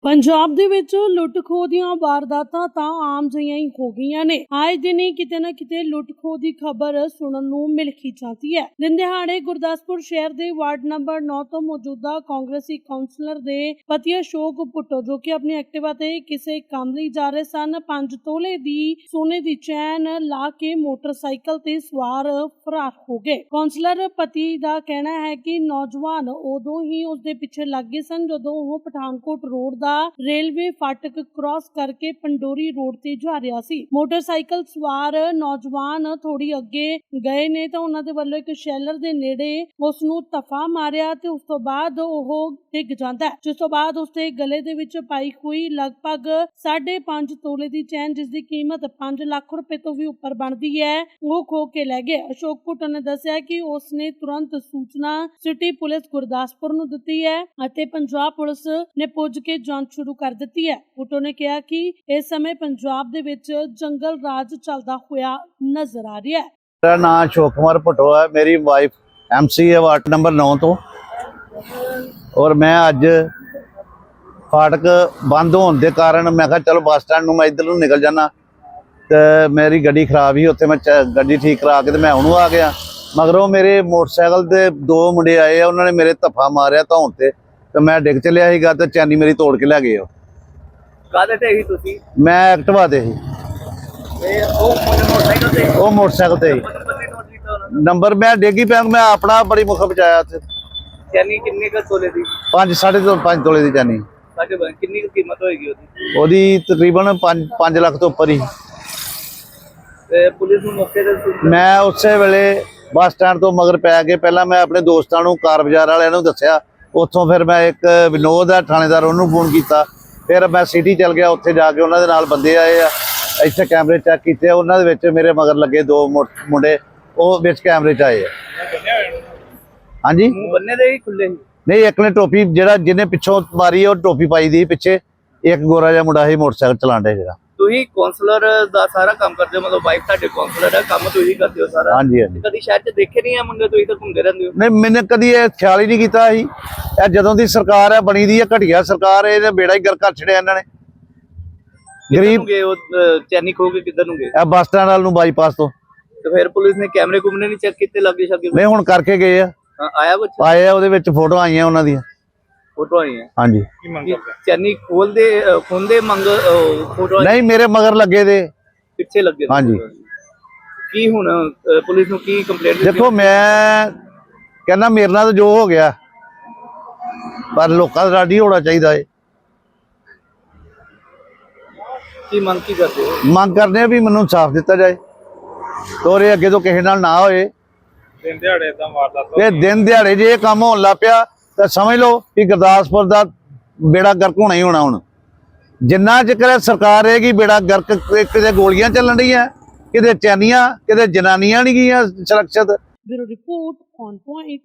ਪੰਜਾਬ ਦੇ ਵਿੱਚ ਲੁੱਟ-ਖੋਹ ਦੀਆਂ ਵਾਰਦਾਤਾਂ ਤਾਂ ਆਮ ਜਿਹੀਆਂ ਹੀ ਹੋ ਗਈਆਂ ਨੇ। ਆਏ ਦਿਨ ਹੀ ਕਿਤੇ ਨਾ ਕਿਤੇ ਲੁੱਟ-ਖੋਹ ਦੀ ਖਬਰ ਸੁਣਨ ਨੂੰ ਮਿਲ ਹੀ ਜਾਂਦੀ ਹੈ। ਦਿਨ ਦਿਹਾੜੇ ਗੁਰਦਾਸਪੁਰ ਸ਼ਹਿਰ ਦੇ ਵਾਰਡ ਨੰਬਰ 9 ਤੋਂ ਮੌਜੂਦਾ ਕਾਂਗਰਸੀ ਕਾਉਂਸਲਰ ਦੇ ਪਤੀ ਅਸ਼ੋਕ ਭੁੱਟੋ, ਜੋ ਕਿ ਆਪਣੀ ਐਕਟਿਵਾ ਤੇ ਕਿਸੇ ਕੰਮ ਲਈ ਜਾ ਰਹੇ ਸਨ, 5 ਤੋਲੇ ਦੀ ਸੋਨੇ ਦੀ ਚੈਨ ਲਾ ਕੇ ਮੋਟਰਸਾਈਕਲ ਤੇ ਸਵਾਰ ਫਰਾਰ ਹੋ ਗਏ। ਕਾਉਂਸਲਰ ਪਤੀ ਦਾ ਕਹਿਣਾ ਹੈ ਕਿ ਨੌਜਵਾਨ ਉਦੋਂ ਹੀ ਉਸਦੇ ਪਿੱਛੇ ਲੱਗ ਗਏ ਸਨ ਜਦੋਂ ਉਹ ਪਠਾਨਕੋਟ ਰੋਡ ਦਾ रेलवे फाटक क्रॉस करके पंडोरी रोड ते जा रहा सी। मोटरसाइकिल सवार नौजवान थोड़ी अगे गए ने तो उन्हां दे वल्लों एक शैलर दे नेड़े उस नूं तफा मारिया ते उस तो बाद ओह डिग जांदा है, जिस तो बाद उसके गले दे विच पाई हुई लगभग 5.5 तोले दी चैन, जिस दी कीमत 5 लाख रुपए तो भी उपर बनदी है, वो खो के लै गए। अशोक भुट्टो ने दस्सिया कि उसने तुरंत सूचना सिटी पुलिस गुरदासपुर नूं दित्ती है अते पंजाब पुलिस ने पुज के शुरू कर दी है। भुट्टो ने कहा कि इस समय पंजाब दे विच जंगल राज चलदा होया नजर आ रहा है। मेरा नाम अशोक कुमार भुट्टो है, मेरी वाइफ MC है वार्ड नंबर 9 तो, और मैं अज फाटक बंद होने के कारण मैं कहा चलो बस स्टैंड मैं इधर निकल जाना, तो मेरी गड्डी खराब ही उत्थे मैं गड्डी ठीक करा के मैं उन्होंने आ गया। मगरों मेरे मोटरसाइकिल के 2 मुंडे आए, उन्होंने मेरे धफ्फा मारिया धौन ते, तो मैं डिग चलिया सीगा ते चैनी मेरी तोड़ के लै गए। काहदे ते ही तुसी? मैं एक्टिवा ते ही, मोटरसाइकिल ते वो मोटरसाइकिल ते ही। नंबर मैं डिगी पिया, मैं अपना बड़ी मुख बचाया। चैनी किन्ने का तोले दी? 5.5 तोले दी चैनी। किन्नी कीमत होएगी ओदी? ओदी तकरीबन 5 लाख तो उपर ही। ते पुलिस नूं मौके ते मैं उसे वेले बस स्टैंड तो मगर पै के पहला मैं अपने दोस्तां नूं कार बाजार वालियां नूं दस्सिया, उत्थों फिर मैं एक विनोद है थानेदार उन्होंने फोन किया, फिर मैं सिटी चल गया, उत्थे जाके उन्होंने नाल बंदे आए आ, इत्थे कैमरे चेक किए, उन्होंने विच मेरे मगर लगे 2 मुंडे, वो विच कैमरे च आए। हाँ जी, बन्ने दे ही खुले ही? नहीं, एक ने टोपी जिहड़ा जिन्हें पिछों मारी है टोपी पाई दी पिछे, एक गोरा जिहा मुंडा ही मोटरसाइकिल चलाण डे जिहड़ा। तुही काउंसलर दा सारा काम करदे हो, मतलब वाइफ तुहाडे काउंसलर है, काम तुही करदे हो सारा? हाँ जी, हाँ जी। कदी शहर च देखे नहीं है मुंडे, तुही तो घूमदे रहंदे हो? नहीं, मैंने कदी ये ख्याल ही नहीं किया ही। जदों दी सरकार है बनी दी है घटिया सरकार है, इहने बेड़ा ही गर्क कर छड़िया इन्हां ने। गरीब चैनी खो के किधर नूं गए? बस स्टैंड वाल नूं बाईपास तो। तो फिर पुलिस ने कैमरे कुमने नहीं चेक कीते लागे शागे? नहीं, हुण करके गए आ, आया कुछ आए आ, उहदे विच फोटो आईयां उन्हां दी। फोटो आई है? हाँ जी। चैनी खोल दे मंग फोटो नहीं, मेरे मगर लगे दे पिछे लगे। हाँ जी। की हुण पुलिस नूं की कंप्लेंट? देखो मैं कहना मेरे नाल जो हो गया, पर लोकां दा राडी होना चाहिए है। की मंग की करदे हो? मंग करने भी मैनूं इंसाफ दिता जाए, तो ये अगे तो किसी नाल ना होए। दिन दिहाड़े इदां वारदात ते दिन दिहाड़े जे काम होण लग पिया तो समझ लो कि गुरदासपुर दा बेड़ा गर्क होना ही होना। हुण जिन्ना चिकर सरकार रहेगी बेड़ा गर्क, किते गोलियां चलन रही, किते चैनियां, किते जनानियां नहीं गईयां सुरक्षित। Bureau report on point.